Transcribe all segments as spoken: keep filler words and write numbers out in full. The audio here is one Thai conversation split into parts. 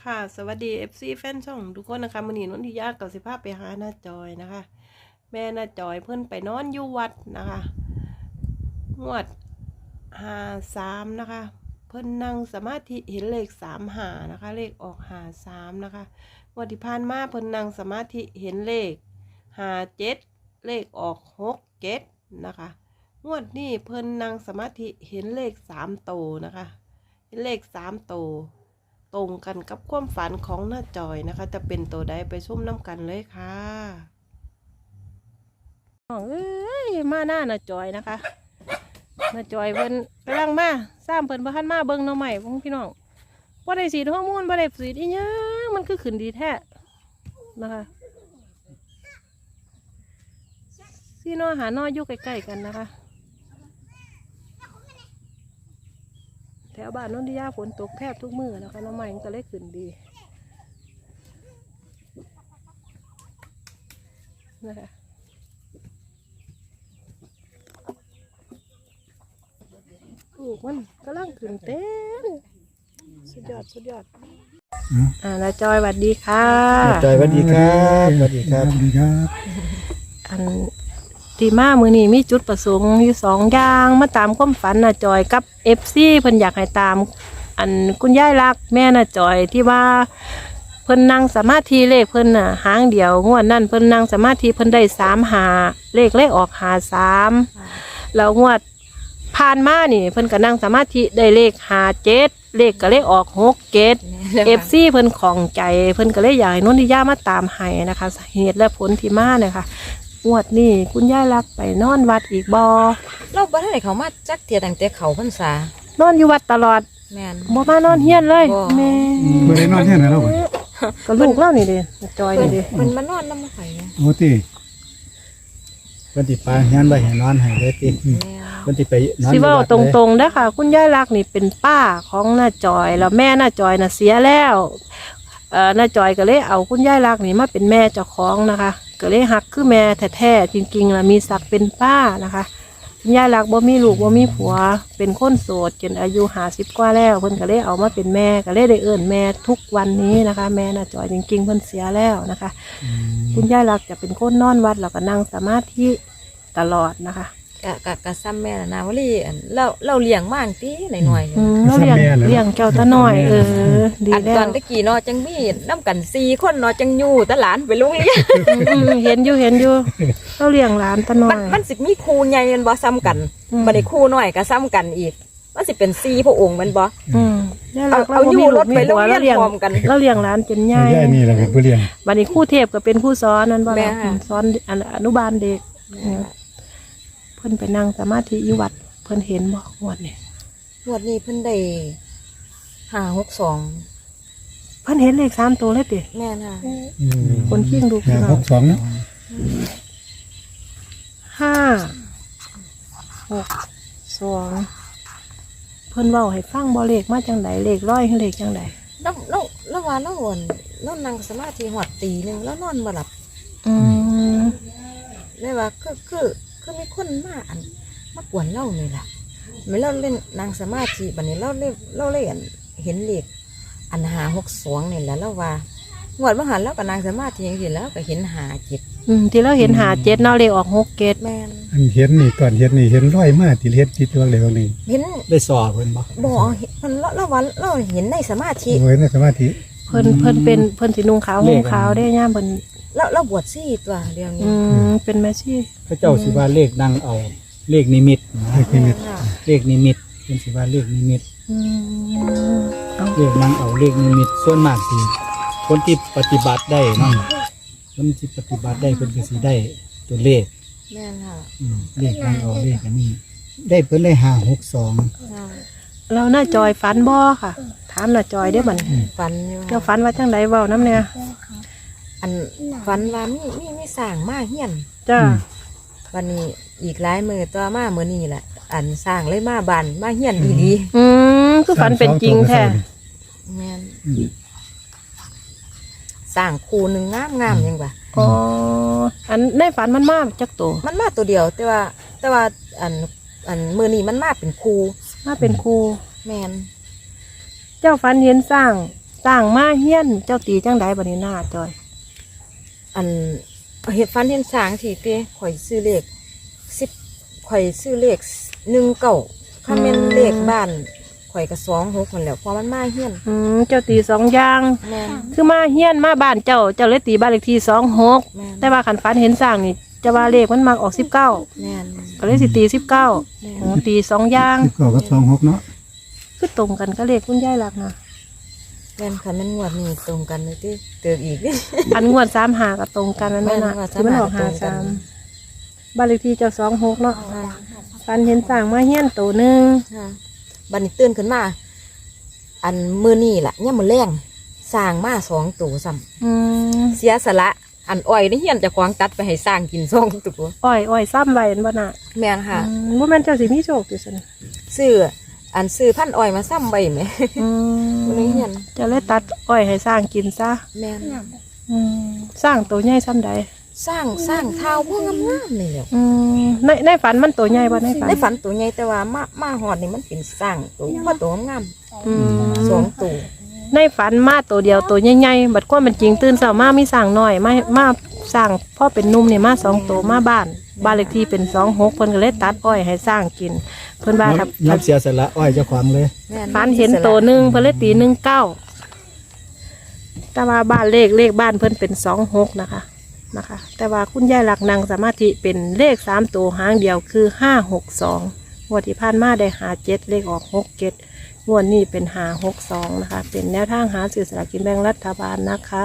ค่ะสวัสดี เอฟ ซี แฟนช่องทุกคนนะคะมื้อนี้นนทิยากับสิภาพไปหาหน้าจอยนะคะ แม่หน้าจอยเพิ่นไปนอนอยู่วัดนะคะงวดห้าสามนะคะ เพิ่นนั่งสมาธิเห็นเลขสามหานะคะ เลขออกห้าสามนะคะงวดที่ผ่านมาเพิ่นนั่งสมาธิเห็นเลขห้าเจ็ดเลขออกหกเจ็ดนะคะงวดนี้เพิ่นนั่งสมาธิเห็นเลขสามโตนะคะเห็นเลขสามโตตรงกันกับความฝันของหน้าจอยนะคะจะเป็นตัวใดไปชมน้ำกันเลยค่ะเอ้ยมาหน้าหน้าจอยนะคะหน้าจอยเพิ่นกำลังมาสร้างเพิ่นบ่ทันมาเบิ่งหน่อใหม่พวกพี่น้องบ่ได้สีดฮอร์โมนบ่ได้สีดอีหยังมันคือขึ้นดีแท้นะคะซีนอหานออยู่ใกล้ๆกันนะคะแถวบ้านนนทิยาฝนตกแทบทุกมื้อนะคะน้ำใหม่มันก็เลยขึ้นดีนะคะลูกมันกำลังขึ้นเต้นสุดยอดสุดยอดอ่าน้าจอยสวัสดีค่ะจอยสวัสดีครับสวัสดีครับสวัสดีครับอันตีมามือนี้มีจุดประสงค์อยู่สองอย่างมาตามความฝันน้าจอยกับเอฟซีเพิ่นอยากให้ตามอันคุณยายรักแม่น้าจอยที่ว่าเพิ่นนั่งสมาธิเลขเพิ่นน่ะหางเดียวงวดนั่นเพิ่นนั่งสมาธิเพิ่นได้สามหาเลขเลขออกหาสามแล้วงวดผ่านมานี่เพิ่นก็นั่งสมาธิได้เลขหาเจ็ดเลขก็เลขออกหกเจ็ดเอฟซีเพิ่นของใจเพิ่นก็เลยอยากให้นนทิยามาตามให้นะคะเหตุและผลที่มาเนี่ยค่ะงวดนี่คุณยายรักไปนอนวัดอีกบอเราบ่ทันได้เขามาจักเทียตั้งแต่เขาพรรษานอนอยู่วัดตลอดแม่นบ่มานอนเฮียนเลยแม่เมื่อไรนอนที่ไหนแล้วบ่ก็ลูกเล่านี่เด้จอยนี่เด้เพิ่นมานอนนำไผนะโอ้ติเพิ่นสิปาเฮียนไว้ให้นอนให้เลยติแม่นเพิ่นสิไปนอนสิเว้าตรงๆเด้อค่ะคุณยายรักนี่เป็นป้าของน้าจอยแล้วแม่น้าจอยน่ะเสียแล้วเอ่อน้าจอยก็เลยเอาคุณยายรักนี่มาเป็นแม่เจ้าของนะคะก็เลยฮักคือแม่แท้ๆจริงๆล่ะมีศักดิ์เป็นป้านะคะคุณยายรักบ่มีลูกบ่มีผัวเป็นคนโสดจนอายุห้าสิบกว่าแล้วเพิ่นก็เลยเอามาเป็นแม่ก็เลยได้เอิ้นแม่ทุกวันนี้นะคะ แม่น้าจอยจริงๆเพิ่นเสียแล้วนะคะคุณยายรักจะเป็นคนนอนวัดแล้วก็นั่งสมาธิตลอดนะคะกะกะกะซ้ำแม่น่ะนะว่าลีอันเราเราเลี้ยงมาอังติหน่อยๆอืมเราเลี้ยงเลี้ยงเจ้าตาน้อยเออดีอันแล้ตอวนตะกี้เนาะจังมีนำกันสี่คนเนาะจังอยู่แต่หลานไปโรงเรียนอืมเห็นอยู่เห็นอยู่เราเลี้ยงหลานตาน้อมันยมันสิมีครูใหญ่แม่นบ่ซ้ำกันอืมบัดนี้ครูน้อยก็ซ้ำกันอีกมันสิเป็นสี่พระองค์แม่นบ่อืมย่าเอารักเราเอาบ่อยู่มีรลูถกมีไปโรงผัวเรีเรายนเลี้ยงพร้อมกันเราเลี้ยงหลานจนใหญ่ยายนี่แหละเป็นผู้เลี้ยงบัดนี้ครู่เทพก็เป็นผู้สอนนั่นบ่แม่ล่ะค่ะสอนอันอนุบาลเด็กเพิ่นไปนั่งสมาธิอยู่วัดเพิ่นเห็นบ่งวดนี่งวดนี้เพิ่นได้ห้าหกสองเพิ่นเห็นเลขสามตัวเลยติแม่นค่ะคนขี้งดูห้าหกสองเนาะห้าหกสองเพิ่นเว้าให้ฟังบ่เลขมาจังไดเลขร้อยหรือเลขจังไดแล้วแล้วแล้วว่าแล้ววนแล้วนั่งสมาธิหอดตีหนึงแล้วนอนบ่หลับอืมเลยว่าคือคือคือมีคนมาอันมากวนเล่านี่แหละไม่เล่าเล่นนางสมาธิบัดนี้เล่าเล่นเล่าเล่นเห็นเลขอันหาหกสองนี่แหละแล้วว่างวดมหันแล้วกับนางสมาธิอย่างนี้แล้วก็เห็นหาจิตอืมที่เราเห็นหาเจ็ดเนาะเลขออกหกเจ็ดแม่นอันเห็นนี่ก่อนเห็นนี่เห็นร้อยมาที่เฮ็ดที่ตัวเร็วนี่เห็นได้สอบเพิ่นบ่บ่เห็นมันเล่าเล่าว่าเล่าเห็นในสมาธิโอ้ยในสมาธิเพิ่นเพิ่นเป็นเพิ่นสีนุ่งขาวห่มขาวได้ย่ามเพิ่นเล่าเล่าบวชซี่ตัวเดียวนี้อืมเป็นแม่ชีพระเจ้าสิว่าเลขนั่งเอาเลขนิมิตนะเลขนิมิตค่ะเลขนิมิตเป็นสิว่าเลขนิมิตอืมเอาเลขนั่งเอาเลขนิมิตส่วนมากสิคนที่ปฏิบัติได้เนาะคนที่ปฏิบัติได้เพิ่นก็สิได้ตัวเลขแม่นค่ะอืมเลขนั่งเอาเลขอันนี้ ได้เพิ่นได้ห้าหกสองค่ะเราหน้าจอยฝันบ่ค่ะถามหน้าจอยเด้อบัดนี้ฝันอยู่เจ้าค่ะฝันว่าจังไดเว้านํเนี่ยอันฝันว่ามีมีมีสร้างมาเฮียนจ้าวันนี้อีกหลายมือตัวมาเมื่อนี้แหละอันสร้างเลยมาบันมาเฮียนดีดีอืมคือฝันเป็นจริงแท้แม่นสร้างคูหนึ่งงามงามๆยังวะอ๋ออันในฝันมันมาจักตัวมันมาตัวเดียว แต่ว่า แต่ว่าอันอันมือนี้มันมาเป็นคูมาเป็นครูแม่นเจ้าฝันเห็นสร้างสร้างมาเฮียนเจ้าตีจังใดบัดนี้หน้าจอยอันเห็ดฟันเห็นสางทีเต้ข่อยซื้อเลขสิบข่อยซื้อเลขหนึ่งเก่าถ้าเป็นเลขบ้านข่อยก็สองหกคนแหล้วเพราะมันมาเฮียนอืมเจ้าตีสองอย่างแม่นคือมาเฮียนมาบ้านเจ้าเจ้าเลยตีบ้านเลขที่สองหกแม่นแต่ว่าขันฟันเห็นสร้างนี่จะว่าเลขมันมักออกสิบเก้าแม่นก็เลยสิตีสิบเก้าแม่นโอ้ตีสองอย่างสิบเก้ากับสองหกเนาะคือตรงกันก็เลขคุณยายหลักนะแม่นคันแม่นงวดนี้ตรงกันเลยที่เติมอีกอันงวดสามหาก็ตรงกันนั่นแหละแม่นะนงวดที่มันออกสาหามหาก็ตรงกัสาน มบ้านเลขที่เจ้าสองหกเนาะฟันเห็นสร้างมาเฮียนตัวหนึ่งค่ะบัดนี้ตื่นขึ้นมา อันมือนี่ล่ะเนี่ยามมือแรงสร้างมาสองตัวซ้อืมำเสียสละอันอ้อยนี่เฮียนเจะควางตัดไปให้สร้างกินสองตัวอ้อยอ้อยซ้ำไว้เห็นบ่น่ะแม่นค่ะอืมว่าแม่นเจ้าสิมีโชคอยู่สินะซื้ออันซื้อพันอ้อยมาซ้ำใบไหมอืบ่ได้มเฮียนเจะเลยตัดอ้อยให้สร้างกินซะแม่นอืมสร้างตัวใหญ่ซ้ำใดสร้างสร้างเท้าพวกงามๆนี่แหละอืมในในฝันมันตัวใหญ่บ่ในฝันในฝันตัวใหญ่แต่ว่ามามาหอดนี่มันเป็นสร้างตัวว่าตัวงามอืมๆสองตัวในฝันมาตัวเดียวตัวใหญ่ๆบัดความเป็นจริงตื่นเช้ามามีสร้างน้อยมามาสร้างพ่อเป็นหนุ่มนี่มาสองตัวมาบ้านบ้านเลขที่เป็นสองหกเพิ่นก็เลยตัดอ้อยให้สร้างกิน เพิ่นว่าครับยับเสียสละอ้อยเจ้าของเลยแม่นฝันเห็นตัวหนึ่งเพิ่นเลยตีหนึ่งเก้าแต่ว่าบ้านเลขเลขบ้านเพิ่นเป็นสองหกนะคะนะคะ แต่ว่าคุณยายหลักนางสมาธิเป็นเลขสามตัวหางเดียวคือห้าหกสองงวดที่ผ่านมาได้หาเจ็ดเลขออกหกเจ็ดงวดนี้เป็นหาหกสองนะคะ เป็นแนวทางหาสื่อสลากกินแบ่งรัฐบาลนะคะ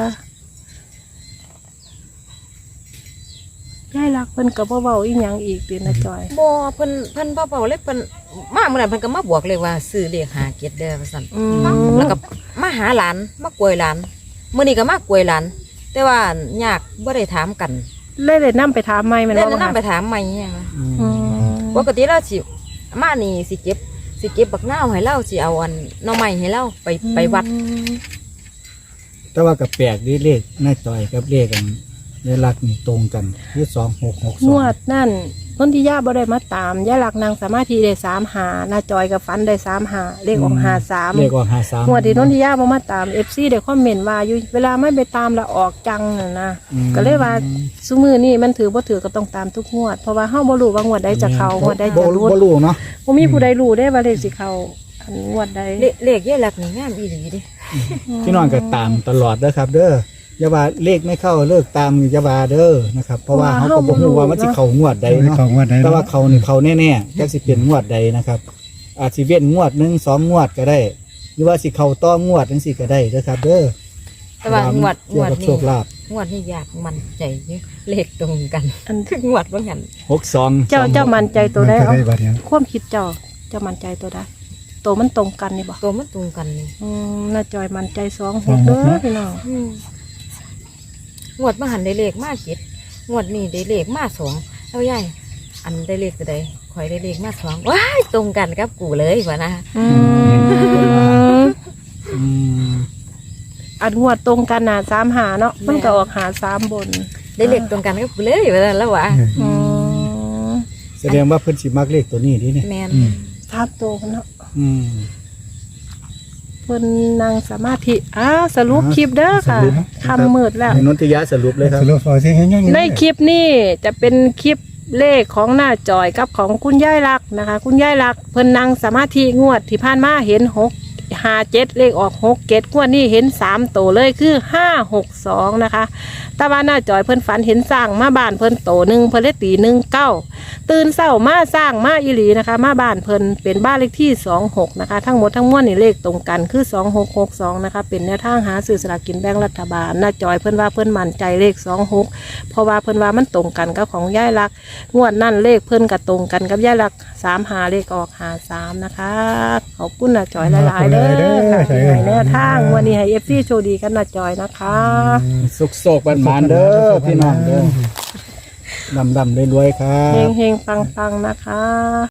ยายหลักเพิ่นกับเบาๆอีหยังอีกเป็นนะจอยบ่เพิ่นเพิ่นบ่เบาเลยเพิ่นมาเมื่อนั้นเพิ่นก็มาบอกเลยว่าซื้อเลขหาเก็ดเด้อว่าซั่นอืมแล้วก็มาหาหลานมากวยหลานมื้อนี้ก็มากวยหลาน แต่ว่ายากบ่ได้ถามกันเลยเลยนํไปถามไม่แมันเล่นว่านํบ่ไปคะถามใหม่เนี่ยนะอืมปกติเราสิมานี่สิเก็บสิเก็บบักนาวให้เราสิเอาอันหน่อไม้ให้เราไปไปวัดแต่ว่ากับแปลกดีเลขนายต่อยกับเลขกันยายลักษณ์นี่ตรงกันคือสองหกหกสงองวดนั่นนนทิยาบ่ได้มาตามยายหลักนางสามารถที่ได้สามหาหน้าจอยกับฟันได้สามหาเลขออกหาสามเลขออกหาสามงวดที่นนทิยาบ่มาตามเอฟซีได้คอมเมนต์ว่าอยู่เวลาไม่ไปตามแล้วออกจังน่ะนะอืมก็เลยว่าซุมือนี่มันถือบ่ถือก็ต้องตามทุกงวด เพราะว่าเฮาบ่รู้ว่างวดใดจะเข้างวดใดจะบ่รุดบ่รู้เนาะบ่มีผู้ใดรู้ได้ว่าเลขสิเข้าอันงวดใดเลเลขเยอะหลักนี่งามอีหลีเดิพี่น้องก็ตามตลอดเด้อครับ เด้ออย่าว่าเลขไม่เข้าเลิกตามอย่าว่าเด้อนะครับ เพราะว่าเขาก็บ่รู้ว่ามันสิเข้างวดใดไม่เนาะของว่าใดแต่ว่าเขานี่เขาแน่ๆจักสิเป็นงวดใดนะครับ อาจสิเว้นงวดหนึ่งสองงวดก็ได้ หรือว่าสิเข้าต่องวดจังซี่ก็ได้เด้อครับ เด้อแต่ว่างวดเกี่งยววดกับโชนี้คลาภงวดนี้อยากมันใจเยอะเลขตรงกันอันคืองวดว่างั้นหกสองเจ้าเจ้ามั่นใจตัวใดมันจะเอาได้บัดเดียวความคิดเจ้าเจ้ามั่นใจตัวใดตัวมันตรงกันนี่บ่ตัวมันตรงกันนี่อืมน่าจอยมันใจสองหกเด้อพี่น้องอืมงวดมาหันได้เลขมาเจ็ดงวดนี้ได้เลขมาสองเอาใหญ่อันได้เลขตัวใดข่อยได้เลขมาสองว้ายตรงกันกับกูเลยวะนะอืมอืมอันงวดตรงกันน่ะสามหาเนาะมันก็ออกหาสามบนได้เลขตรงกันกับกูเลยวะนะแล้ววะอืมแสดงว่าเพิ่นสิมักเลขตัวนี้ดิเนี่ยแมนสามตัวเนาะอืมเพิ่นนั่งสมาธิอ้าวสรุปคลิปเด้อค่ะสรุปนะคำมืดแล้วให้นนทิยาสรุปเลยครับสรุปเอาสิให้ยังในคลิปนี้จะเป็นคลิปเลขของหน้าจอยกับของคุณยายลักษณ์นะคะ คุณยายลักษณ์เพิ่นนั่งสมาธิงวดที่ผ่านมาเห็นหกห้าเจ็ดเลขออกหกเจ็ดงวดนี้เห็นสามตัวเลยคือห้าหกสองนะคะแต่ว่าหน้าจอยเพิ่นฝันเห็นสร้างมาบ้านเพิ่นโตหนึ่งเพิ่นเลยตีหนึ่งเก้าตื่นเศร้ามาสร้างมาอีหลีนะคะ มาบ้านเพิ่นเป็นบ้านเลขที่สองหกนะคะ ทั้งหมดทั้งมวลนี่เลขตรงกันคือสองหกหกสองนะคะเป็นแนวทางหาซื้อสลากกินแบ่งรัฐบาลหน้าจอยเพิ่นว่าเพิ่นมั่นใจเลขสองหกเพราะว่าเพิ่นว่ามันตรงกันกับของยายลักษณ์งวดนั่นเลขเพิ่นก็ตรงกันกับยายลักษณ์สามหาเลขออกหาสามนะคะขอบคุณหน้าจอยหลายๆเด้อค่ะที่ให้แนวทางวันนี้ให้เอฟซีโชคดีกันหน้าจอยนะคะสุกโศกบันหมานๆเด้อพี่น้องเด้อดำดำๆรวยๆครัเฮบงเฮงๆปังๆนะคะ